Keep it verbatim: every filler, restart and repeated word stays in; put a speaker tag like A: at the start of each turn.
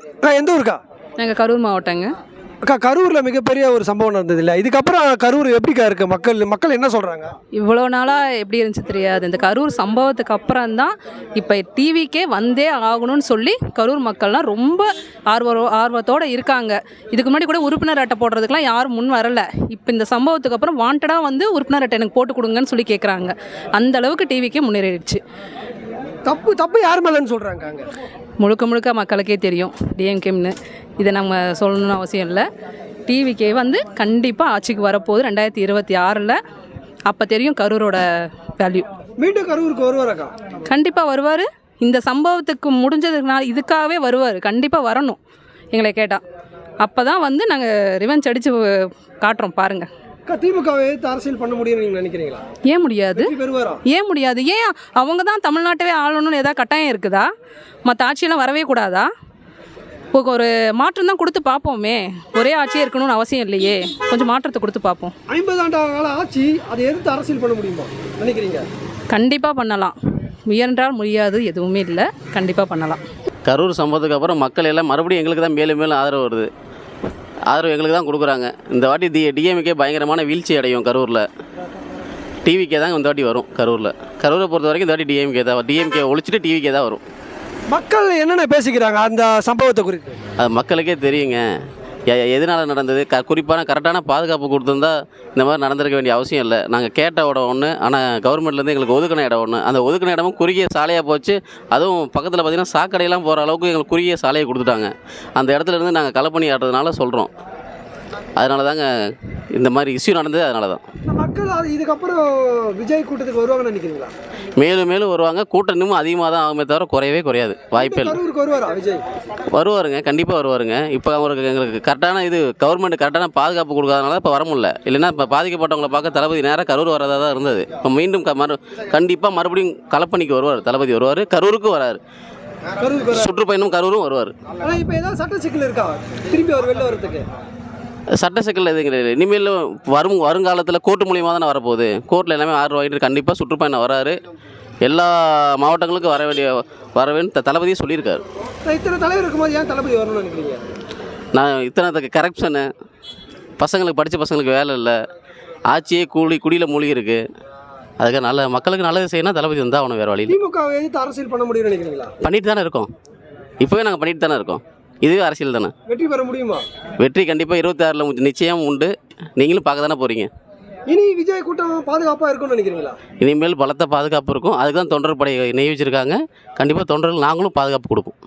A: அக்கா எந்த ஊருக்கா?
B: நாங்கள் கரூர் மாவட்டங்க.
A: அக்கா கரூரில் மிகப்பெரிய ஒரு சம்பவம் நடந்தது இல்லை? இதுக்கப்புறம் கரூர் எப்படிக்கா இருக்கு? மக்கள் மக்கள் என்ன சொல்கிறாங்க?
B: இவ்வளோ நாளாக எப்படி இருந்துச்சு தெரியாது. இந்த கரூர் சம்பவத்துக்கு அப்புறம் தான் இப்போ டிவிக்கே வந்தே ஆகணும்னு சொல்லி கரூர் மக்கள்லாம் ரொம்ப ஆர்வ ஆர்வத்தோடு இருக்காங்க. இதுக்கு முன்னாடி கூட உறுப்பினர் அட்டை போடுறதுக்கெலாம் யாரும் முன் வரலை. இப்போ இந்த சம்பவத்துக்கு அப்புறம் வாண்டடாக வந்து உறுப்பினர் அட்டை எனக்கு போட்டு கொடுங்கன்னு சொல்லி கேட்குறாங்க. அந்த அளவுக்கு டிவிக்கே முன்னேறிடுச்சு.
A: தப்பு தப்பு யார் மேலேன்னு சொல்கிறாங்க? அங்கே
B: முழுக்க முழுக்க மக்களுக்கே தெரியும் டிஎம்கேம்னு. இதை நம்ம சொல்லணும்னு அவசியம் இல்லை. டிவிக்கே வந்து கண்டிப்பாக ஆட்சிக்கு வரப்போகுது ரெண்டாயிரத்தி இருபத்தி ஆறில். அப்போ தெரியும் கரூரோட வேல்யூ.
A: மீண்டும் கரூருக்கு வருவாரக்கா?
B: கண்டிப்பாக வருவார். இந்த சம்பவத்துக்கு முடிஞ்சதுனால இதுக்காகவே வருவார். கண்டிப்பாக வரணும் எங்களை கேட்டால். அப்போ தான் வந்து நாங்கள் ரிவெஞ்ச் அடித்து காட்டுறோம் பாருங்கள்.
A: திமுகவை எதிர்த்து அரசியல் பண்ண முடியும்னு நீங்கள் நினைக்கிறீங்களா?
B: ஏன் முடியாது? ஏன் முடியாது? ஏன் அவங்க தான் தமிழ்நாட்டவே ஆளணும்னு ஏதாவது கட்டாயம் இருக்குதா? மற்ற ஆட்சியெல்லாம் வரவே கூடாதா? இப்போ ஒரு மாற்றம் தான் கொடுத்து பார்ப்போமே. ஒரே ஆட்சியே இருக்கணும்னு அவசியம் இல்லையே. கொஞ்சம் மாற்றத்தை கொடுத்து பார்ப்போம்.
A: ஐம்பது ஆண்டு கால ஆட்சி, அதை எதிர்த்து அரசியல் பண்ண முடியுமா நினைக்கிறீங்க?
B: கண்டிப்பாக பண்ணலாம். முயன்றால் முடியாது எதுவுமே இல்லை. கண்டிப்பாக பண்ணலாம்.
C: கரூர் சம்பவத்துக்கு அப்புறம் மக்கள் எல்லாம் மறுபடியும் எங்களுக்கு தான் மேலும் மேலும் ஆதரவு வருது. ஆதரவு எங்களுக்கு தான் கொடுக்குறாங்க. இந்த வாட்டி டி டிஎம்கே பயங்கரமான வீழ்ச்சி அடையும் கரூரில். டிவிக்கே தான் இந்த வாட்டி வரும் கரூரில். கரூரை பொறுத்த வரைக்கும் இந்த வாட்டி டிஎம்கே தான். டிஎம்கே ஒழிச்சிட்டு டிவிக்கே தான் வரும்.
A: மக்கள் என்னென்ன பேசிக்கிறாங்க அந்த சம்பவத்தை குறித்து?
C: அது மக்களுக்கே தெரியுங்க. எதனால் நடந்தது, க குறிப்பான கரெக்டான பாதுகாப்பு கொடுத்துருந்தா இந்த மாதிரி நடந்திருக்க வேண்டிய அவசியம் இல்லை. நாங்கள் கேட்ட இடம் ஒன்று, ஆனால் கவர்மெண்ட்லேருந்து எங்களுக்கு ஒதுக்கின இடம் ஒன்று. அந்த ஒதுக்கின இடமும் குறுகிய சாலையாக போச்சு. அதுவும் பக்கத்தில் பார்த்திங்கன்னா சாக்கடையெல்லாம் போகிற அளவுக்கு எங்களுக்கு குறுகிய சாலையை கொடுத்துட்டாங்க. அந்த இடத்துல இருந்து நாங்கள் களப்பணி ஆடுறதுனால சொல்கிறோம். அதனால தாங்க இந்த மாதிரி இஷ்யூ நடந்தது. அதனால தான்
A: மக்கள் இதுக்கப்புறம் விஜய் கூட்டத்துக்கு வருவாங்கன்னு நினைக்கிறீங்களா?
C: மேலும் மேலும் வருவாங்க. கூட்டம் இன்னமும் அதிகமாக தான் ஆகுமே தவிர குறையவே குறையாது. வாய்ப்பே இல்லை.
A: வருவாரா விஜய்?
C: வருவாருங்க, கண்டிப்பாக வருவாருங்க. இப்போ அவருக்கு எங்களுக்கு கரெக்டான இது கவர்மெண்ட் கரெக்டான பாதுகாப்பு கொடுக்காதனால இப்போ வர முடியல. இல்லைன்னா இப்போ பாதிக்கப்பட்டவங்களை பார்க்க தளபதி நேராக கரூர் வரதாக தான் இருந்தது. இப்போ மீண்டும் க மறு கண்டிப்பாக மறுபடியும் களப்பணிக்கு வருவார். தளபதி வருவார். கரூருக்கு வராரு. சுற்றுப்பயணம் கரூரும் வருவார்.
A: இப்போ ஏதாவது சட்ட சிக்கல் இருக்கா திரும்பி அவர் வெளில வரதுக்கு?
C: சட்ட சிக்கல் எதுவும் கிடையாது. இனிமேல் வரும் வருங்காலத்தில் கோர்ட்டு மூலியமாக தானே வரப்போகுது. கோர்ட்டில் எல்லாமே ஆர்டர் வாங்கிட்டு கண்டிப்பாக சுற்றுப்பயணம் வராரு. எல்லா மாவட்டங்களுக்கும் வர வேண்டிய வரவேன்னு தளபதியே சொல்லியிருக்காரு.
A: இத்தனை தலைவர் இருக்கும்போது ஏன் தளபதி வரணும்னு நினைக்கிறீங்க?
C: நான் இத்தனை கரப்ஷனு, பசங்களுக்கு படித்த பசங்களுக்கு வேலை இல்லை, ஆட்சியே கூலி குடியில் மூழ்கி இருக்குது. அதுக்கு நல்ல மக்களுக்கு நல்லது செய்யணும். தளபதி வந்தால் அவனை வேறு வழியில்.
A: திமுகவை எதிர்த்து அரசியல் பண்ண முடியும்னு நினைக்கிறீங்களா?
C: பண்ணிட்டு தானே இருக்கோம். இப்போவே நாங்கள் பண்ணிட்டு தானே இருக்கோம். இதுவே அரசியல் தானே.
A: வெற்றி பெற முடியுமா? வெற்றி
C: கண்டிப்பாக இருபத்தி ஆறில் நிச்சயம் உண்டு. நீங்களும் பார்க்க தானே போகிறீங்க.
A: இனி விஜய் கூட்டம் பாதுகாப்பாக இருக்கும்னு நினைக்கிறீங்களா?
C: இனிமேல் பலத்த பாதுகாப்பு இருக்கும். அதுக்கு தான் தொண்டர் படை நியமிச்சிருக்காங்க. கண்டிப்பாக தொண்டர்கள் நாங்களும் பாதுகாப்பு கொடுப்போம்.